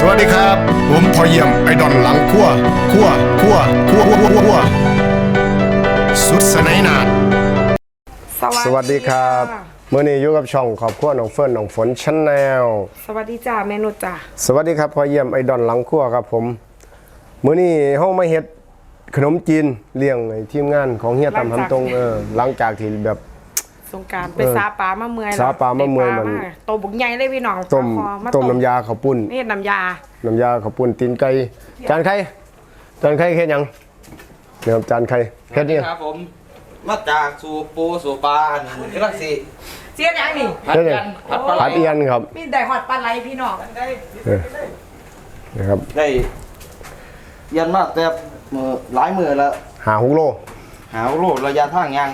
วัสดีครับผมพอเยี่ยมไอดอนหลังขั้วสุดสนายนาดสวัสดีครับเมื่อนี้อยู่กับช่องขอบขั้วน้องเฟิร์นน้องฝนชาแนลสวัสดีจ้าเมนูจ้าสวัสดีครับพอเยี่ยมไอดอนหลังขั้วครับผมเมื่อนี้เฮามาเฮ็ดขนมจีนเลี้ยงทีมงานของเฮียตำหำตรงหลังจากที่แบบสงการไปซาปลามาเมื่อยซาปลามาเมื่อยมันโตบุกใหญ่เลยพี่น้องต้มน้ำยาข้าวปุ้นนี่น้ำยาข้าวปุ้นตีนไก่จานไข่เฮ็ดยังเนี่ยครับจานไข่เฮ็ดนี่ครับผมมาจากสู่ปูสู่ปลาที่รักสิเจี๊ยบยังนี่ผัดเอียนครับมีได้หอดปลาไหลพี่น้องได้นะครับได้เอียนมากแต่หลายมือแล้ว 6 โลระยะทางยัง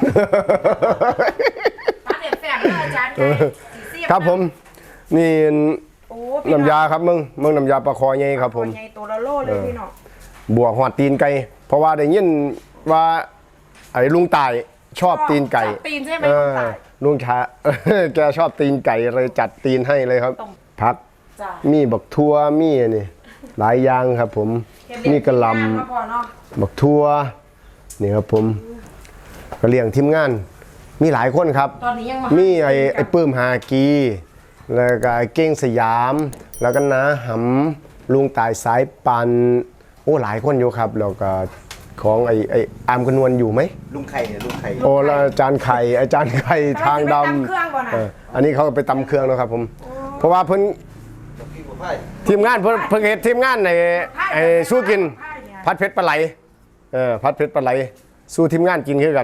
ปลาเด็ดแฝงอาจารย์ครับผมนี่น้ำยาครับมึงน้ำยาปลาคอใหญ่ครับผมใหญ่ตัวละโลเลยพี่น้องบวกหอดตีนไก่เพราะว่าได้ยินว่าไอ้ลุงตายชอบตีนไก่ตีนใช่ไหมลุงชาแกชอบตีนไก่เลยจัดตีนให้เลยครับผักมีบักทั่วมีนี่หลายอย่างครับผมมีกระลำบักทั่วนี่ครับผมก็เลี้ยงทีมงานมีหลายคนครับมีไอ้ปื้มหากีแล้วก็เก้งสยามแล้วก็น้าหำลุงตายสายปันโอ้หลายคนอยู่ครับแล้วก็ของไอ้อามกนวลอยู่ไหมลุงไข่โอ้แล้วอาจารย์ไข่ทางดำอันนี้เขาไปตำเครื่องนะครับผมเพราะว่าเพิ่นทีมงานเพิ่งเห็นทีมงานในสู้กินพัดเพชรปลาไหลพัดเพชรปลาไหลสู้ทีมงานกินคือกัน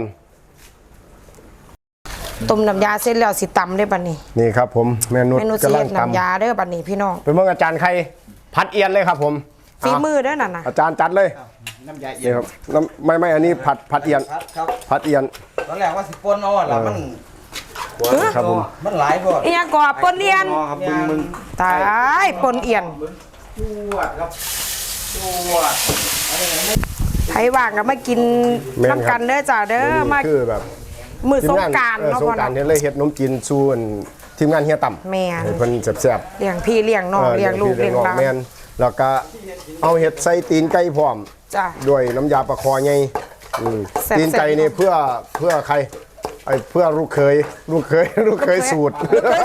ต้มน้ำยาเสร็จแล้วสิตำได้บัดนี้นี่ครับผมเมนูกำลังน้ำยาเด้อบัดนี้พี่น้องเป็นเมื่ออาจารย์ไข่พัดเอียนเลยครับผมฝีมือเด้อนั่นน่ะอาจารย์จัดเลยน้ำยาเอียนครับไม่อันนี้ผัดเอียนผัดเอียนตอนแรกว่าสิปนเอาแล้วมันครับผมมันหลายบ่อีหยังก่อปนเอียนตายปนเอียนจวดครับจวดใครว่างก็มากินน้ำกันเด้อจ้าเด้อมาคือแบบมือสงการเนาะพ่อเนาะเลยเฮ็ดนมจีนซูนทีมงานเฮียต่ำแม่นเพิ่นแซ่บๆเลี้ยงพี่เลี้ยงน้องเลี้ยงลูกเลี้ยงหลานแม่นแล้วก็เอาเห็ดใส่ตีนไก่พร้อมจ้ะด้วยน้ำยาปลาคอไงตีนไก่นี่เพื่อใครเพื่อลูกเคยสูตร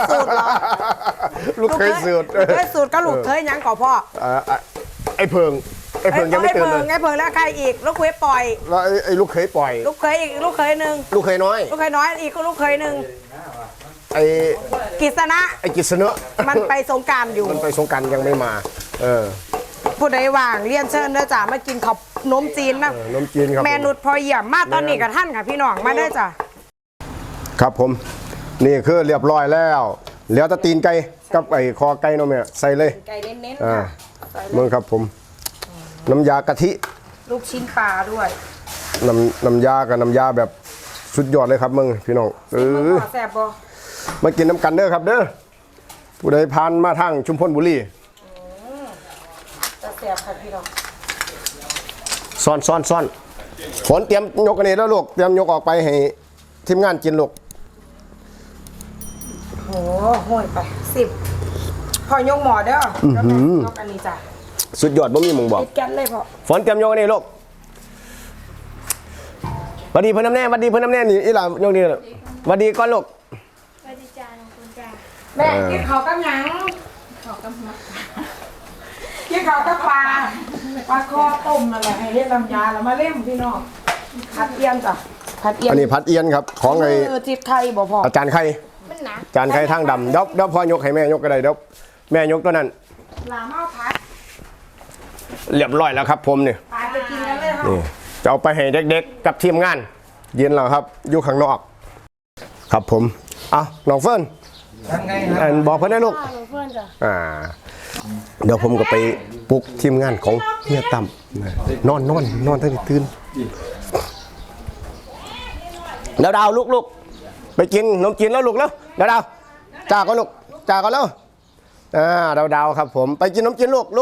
ลูกเคยสูตรก็ลูกเคยยังก่อพ่อไอ้เพิงยังไม่ตื่นเลยไอ้เพิงแล้วใครอีกลูกเคยปล่อยแล้วไอ้ลูกเคยปล่อยลูกเคยอีกลูกเคยหนึ่งลูกเคยน้อยอีกลูกเคยหนึ่งไอ้กิษณะมันไปสงการอยู่มันไปสงการยังไม่มาผู้ใดว่างเรียนเชิญเด้อจ้ามากินข้าวนมจีนนะนมจีนครับแม่นุชพอเยี่ยมมาตอนนี้กับท่านค่ะพี่น้องมาได้จ้ะครับผมนี่คือเรียบร้อยแล้วเหลือแต่ตีนไก่กับไอ้คอไก่เนาะแม่ใส่เลยไก่เน้นๆค่ะมึงครับผมน้ำยากะทิลูกชิ้นปลาด้วยน้ำยากับน้ำยาแบบสุดยอดเลยครับมึงพี่น้องแซ่บบ่มากินน้ำกันเด้อครับเด้อผู้ใดผ่านมาทางชุมพลบุรีจะแซ่บค่ะพี่น้องซ่อนฝนเตรียมยกกันนี่แล้วลูกเตรียมยกออกไปให้ทีมงานกินลูกโหห่วยไป10พอยกหมอเด้อแล้วแม่ยกอันนี้จ้ะสุดยอดบ่มีมึงบอกติดกันเลยพ่อฝนเตรียมยกกันนี่ลูกวัดดีเพิ่นน้ำแน่นี่อีหล่ายกนี่วัดดีก่อนลูกวัดดีจ้าน้องคุณจ้าแม่กินข้าวกับหยังข้าวกับหมักกินข้าวกับปลาคอต้มอะไรให้เฮ็ดน้ำยาแล้วมาเล่มพี่น้องผัดเอียนจ้ะอันนี้ผัดเอียนครับของไอ้จิตไข่บ่พออาจารย์ไข่อาจารย์ไข่ทางดำเดี๋ยวพ่อยกให้แม่ยกก็ได้เดี๋ยวแม่ยกตัวนั้นลาเมาผัดเรียบร้อยแล้วครับผมนี่ไปกินกันเลยค่ะนี่จะเอาไปให้เด็กๆกับทีมงานเย็นแล้วครับอยู่ข้างนอกครับผมน้องเฟิร์นบอกเพื่อนได้ลูกเดี๋ยวผมก็ไปปลุกทีมงานของเฮียตั้มนอนตั้งแต่ตื่นดาวลูกไปกินนมจีนแล้วลูกแล้วดาวจ่าก็ลูกจ่าก็แล้วดาวครับผมไปกินนมจีนลูก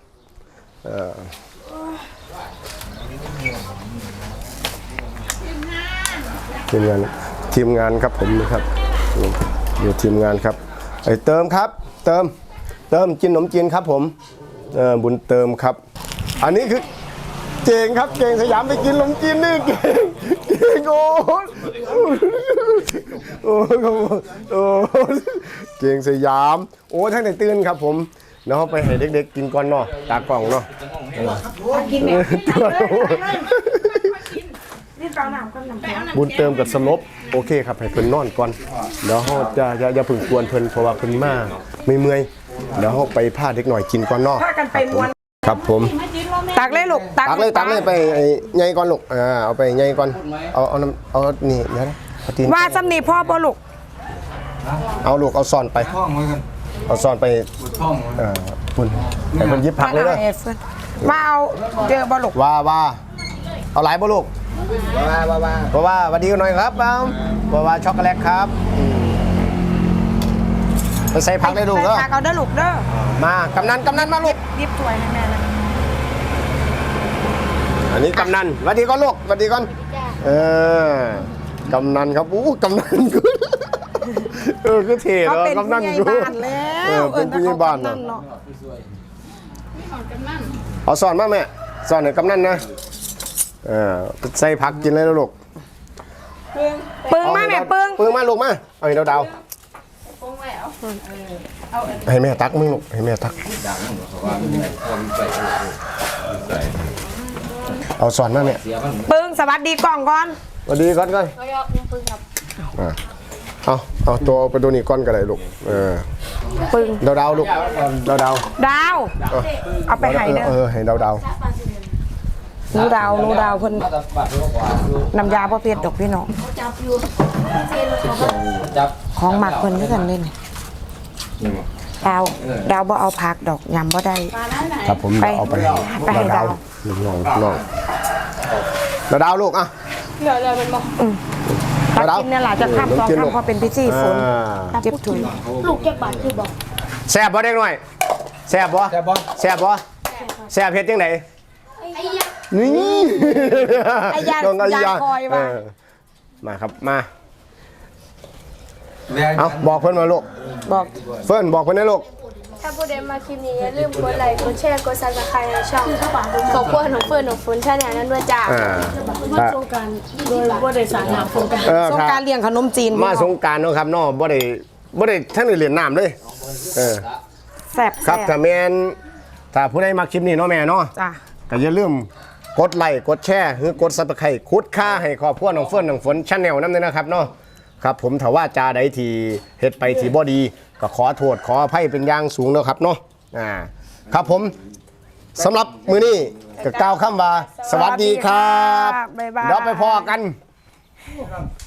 ทีมงานครับผมนะครับอยู่ทีมงานครับไอ้เติมครับเติมกินขนมจีนครับผมบุญเติมครับ อันนี้คือเก่งครับเก่งสยามไปกินขนมจีนนี่เก่งโอ้โอ้เก่งสยามโอ้ท่านไหนตื่นครับผมเนาะไปให้เด็กๆกินก่อนเนาะตากล่องเนาะกินเนี่ยนี่เปล่าน้ำก็น้ำแข็งบุญเติมกับสลบโอเคครับให้เพิ่นนอนก่อนเดี๋ยวเฮาจะอย่าพึ่งกวนเพิ่นเพราะว่าเพิ่นมาเมื่อยเดี๋ยวเฮาไปพาเด็กหน่อยกินก่อนเนาะพากันไปม้วนครับผมตักเลยลูกตักเลยไปใหญ่ก่อนลูกเอาไปใหญ่ก่อนเอาน้ำเอานี่เดี๋ยวนะเอาตีนว่าสำนีพ่อบ่ลูกเอาลูกเอาซ่อนไปท่องไว้กันเอาซ่อนไปท่องไว้ปุ่นให้เพิ่นหยิบผักเลยเด้อว่าเอาเจอบ่ลูกว่าเอาหลายบ่ลูกว่าสวัสดีกันหน่อยครับว่าช็อกโกแลตครับไปใส่ผักเลยลูกเด้อใส่ผักเอาเด้อลูกเด้อมากำนันมาลูกรีบถ้วยให้แม่นะอันนี้กำนันสวัสดีก่อนลูกสวัสดีก่อนกำนันครับกำนันกูคือเท่เขาเนาะเป็นกำนัผู้นใหญ่กูบ้านแล้วเป็นผู้ใหญ่บ้านเนาะเอาสอนมาแม่สอนให้กำนันนะใส่ผักกินเลยนะลูกปึ้งมาแม่ปึ้งปึ้งมาลูกมาเอาให้ดาวให้แม่ตักมึงลูกให้แม่ตักเอาสอนมาแม่ปึ้งสวัสดีกล่องก่อนสวัสดีก่อนเอาตัวไปดูนี่ก้อนก็ได้ลูกปึ้งดาวลูกดาวดาวเอาไปให้เด้อให้ดาวหนูดาวเพิ่นน้ำยาพ่อเพชรดอกพี่น้องจับของหมักเพิ่นด้วยกันเลยนี่ดาวบ่เอาผักดอกยำบ่ได้ครับผมไปเอาไปไปให้ดาวน้องดาวลูกอ่ะตักกินเนี่ยหล่ะจะข้ามสองข้ามพอเป็นพิธีฝนเจ็บถุยลูกแก้บาทคือบอกแซ่บบ่เด็กหน่อยแซ่บบ่แซ่บเฮ็ดจังไดไอ้ยะนี่ไอ้ยาน้องไอ้ยาคอยว่ามาครับมาเอาบอกเพิ่นมาลูกบอกเฟิร์นบอกเพิ่นนะลูกถ้าผู้ใดมาคลิปนี้อย่าลืมกดไลค์กดแชร์กดซับสไครต์ในช่องของพวกหนูเฟิร์นหนูฝนชาแนลนั้นด้วยจ้ามาสงโดยบริษัทนามโครงการสงกรารเลี้ยงขนมจีนมาสงกรารเนาะครับเนาะบ่ได้ท่านได้เรียนน้ำเลยแซ่บครับถ้าแม่นถ้าผู้ใดมาคลิปนี้เนาะแม่เนาะจ้ะก็อย่าลืมกดไลค์กดแชร์หรือกดซับสไครต์คุดค่าให้ครอบครัวน้องเฟิร์นน้องฝนชาแนลนำด้วยนะครับเนาะครับผมถ้าว่าจาใดที่เฮ็ดไปที่บ่ดีก็ขอโทษขออภัยเป็นอย่างสูงเนาะครับเนาะครับผมสำหรับมื้อนี้ก็กล่าวคำว่าสวัสดีครับบ๊ายบายเดี๋ยวไปพอกันบ